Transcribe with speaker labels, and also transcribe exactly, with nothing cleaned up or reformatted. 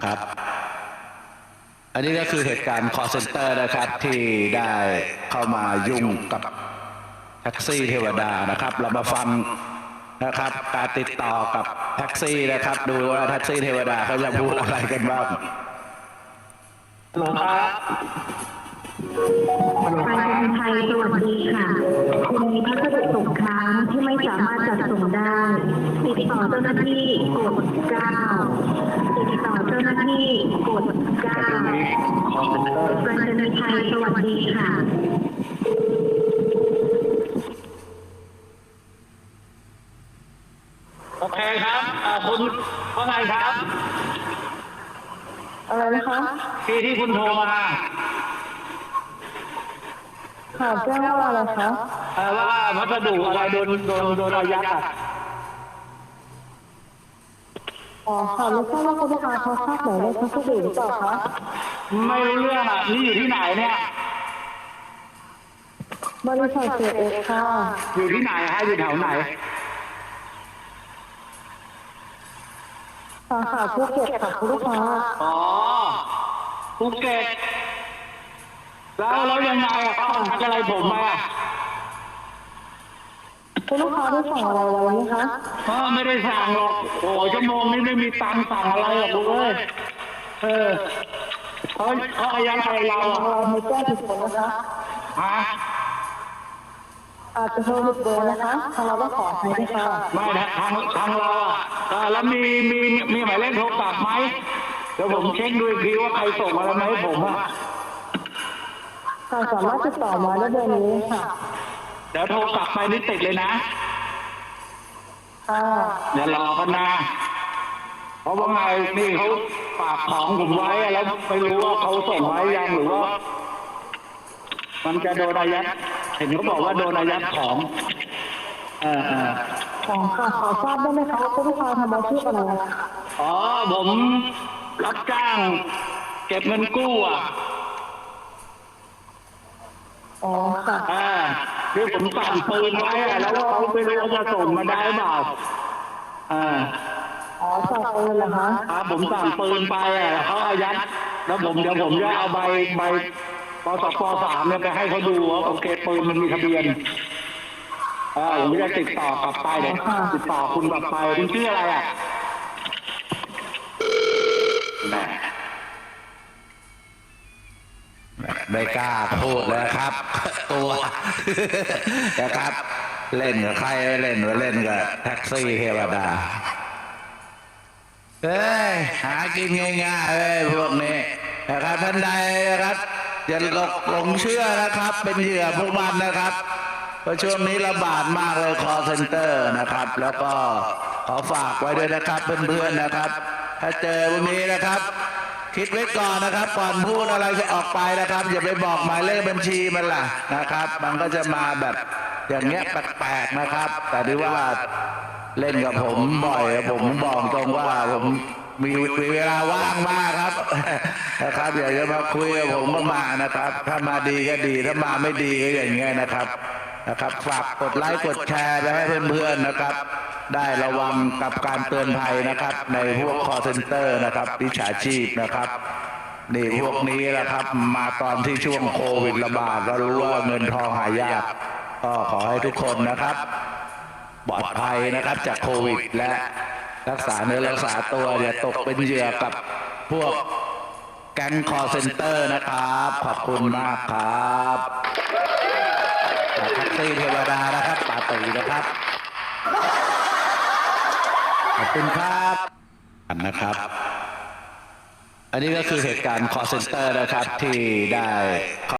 Speaker 1: ครับอันนี้ก็คือเหตุการณ์ call center นะครับที่ได้เข้ามายุ่งกับแท็กซี่เทวดานะครับเรามาฟังนะครับการติดต่อกับแท็กซี่นะครับดูว่าแท็กซี่เทวดาเขาจะพูดอะไรกันบ้าง
Speaker 2: ฮัลโหลครับ
Speaker 3: การบินไทยสวัสดีค่ะคุณมีพัสดุตกค้างที่ไม่สามารถจัดส่งได้ติดต่อเจ้าหน้าที่กดเก้าติดต่อเจ้าหน้าที่กดเก้าการบินไทยสวัสดีค่ะ
Speaker 2: โอเคครับคุณว่าไงครับ
Speaker 3: อะไรนะคะ
Speaker 2: ที่ที่คุณโทรมา
Speaker 3: ค่ะแจ้งว่าอะไรคะ
Speaker 2: ว่าพัสดุอะไรโดนโดนโดนอายัดอ่ะ
Speaker 3: อ๋อค่ะไม่ทราบว่าคุณลูกค้าเขาทราบหมายเลขพัสดุหรือเปล่าคะ
Speaker 2: ไม่รู้เรื่องอ่ะนี่อยู่ที่ไหนเนี่ย
Speaker 3: บริษัทเสียเอกค่ะ
Speaker 2: อยู่ที่ไหนฮะอยู่แถวไหน
Speaker 3: สาขาภูเก็ตค่ะคุณลูกค้า
Speaker 2: อ๋อภูเก็ตแล้วแล้วยังไงอ่ะเขาทำอะไรผมมา
Speaker 3: คุณลูกค้าได้สั่งอะไรไว้ไหมคะ
Speaker 2: อ๋อไม่ได้สั่งหรอกโอ้ชั่วโมงนี้ไม่มีตังค์สั่งอะไรหรอกลูกเอ้ยเออเขาเขาอายัดอะไรเราอ่ะ
Speaker 3: เราไม่แจ้งผิดคนนะคะ
Speaker 2: ฮะ
Speaker 3: อาจจะโทรผิดเบอร์นะคะทางเราก็ขอให้ด้วยค่ะ
Speaker 2: ไม่นะทางทางเราอ่ะแล้วมีมีมีหมายเลขโทรศัพท์ไหมเดี๋ยวผมเช็คดูอีกทีว่าใครส่งอะไรมาให้ผมอ่ะ
Speaker 3: สามารถติดต่อมาได้เบอร์นี้ค่ะ
Speaker 2: เดี๋ยวโทรกลับไปนี่ติดเลยนะ
Speaker 3: ค่ะ
Speaker 2: เดี๋ยวรอกันนะเพราะว่าไงนี่เขาฝากของผมไว้แล้วไม่รู้ว่าเขาส่งไว้ยังหรือว่ามันจะโดนอายัดเห็นเขาบอกว่าโดนอายัดของเออเออ
Speaker 3: ของค่ะขอทราบได้ไหมคะว่าผู้ลูกค้าทำอาชีพอะไร
Speaker 2: อ๋อผมรับจ้างเก็บเงินกู้อ่ะ
Speaker 3: อ๋อค่ะ
Speaker 2: อ่าคือผมสั่งปืนไว้แล้วเขาไม่รู้ว่าจะส่งมาได้เปล่าอ่า
Speaker 3: อ๋อสั่งปืนเหรอคะ
Speaker 2: ครับผมสั่งปืนไปอ่ะเขาอายัดแล้วผมเดี๋ยวผมจะเอาใบใบปสปสามเนี่ยไปให้เขาดูว่าโอเคปืนมันมีทะเบียนอ่าผมจะติดต่อกลับไปเดี๋ยวติดต่อคุณกลับไปคุณชื่ออะไรอ่ะ
Speaker 1: ไม่กล้าพูดเลยครับตัวนะครับเล่นกับใครเล่นกับเล่นกับแท็กซี่เทวดาเฮ้ยหากินง่ายๆเลยพวกนี้นะครับท่านใดนะครับอย่าหลงหลงเชื่อนะครับเป็นเหยื่อพวกมันนะครับเพราะช่วงนี้ระบาดมากเลย call center นะครับแล้วก็ขอฝากไว้ด้วยนะครับเพื่อนๆนะครับถ้าเจอพวกนี้นะครับคิดไว้ก่อนนะครับก่อนพูดอะไรจะออกไปนะครับอย่าไปบอกหมายเลขบัญชีมันล่ะนะครับมันก็จะมาแบบอย่างเงี้ยแปลกๆนะครับแต่ที่ว่าเล่นกับผมบ่อยผมบอกตรงว่าผมมีเวลาว่างมากครับนะครับอยากจะมาคุยกับผมก็มานะครับถ้ามาดีก็ดีถ้ามาไม่ดีก็อย่างเงี้ยนะครับนะครับฝากกดไลค์กดแชร์ไปให้เพื่อนๆนะครับได้ระวังกับการเตือนภัยนะครับในพวก call center นะครับวิชาชีพนะครับนี่พวกนี้นะครับมาตอนที่ช่วงโควิดระบาดเรารู้ว่าเงินทองหายากก็ขอให้ทุกคนนะครับปลอดภัยนะครับจากโควิดและรักษาเนื้อรักษาตัวอย่าตกเป็นเหยื่อกับพวกแก๊ง call center นะครับขอบคุณมากครับแท็กซี่เทวดานะครับปาตีนะครับขอบคุณครับนะครับอันนี้ก็คือเหตุการณ์ call center นะครับที่ได้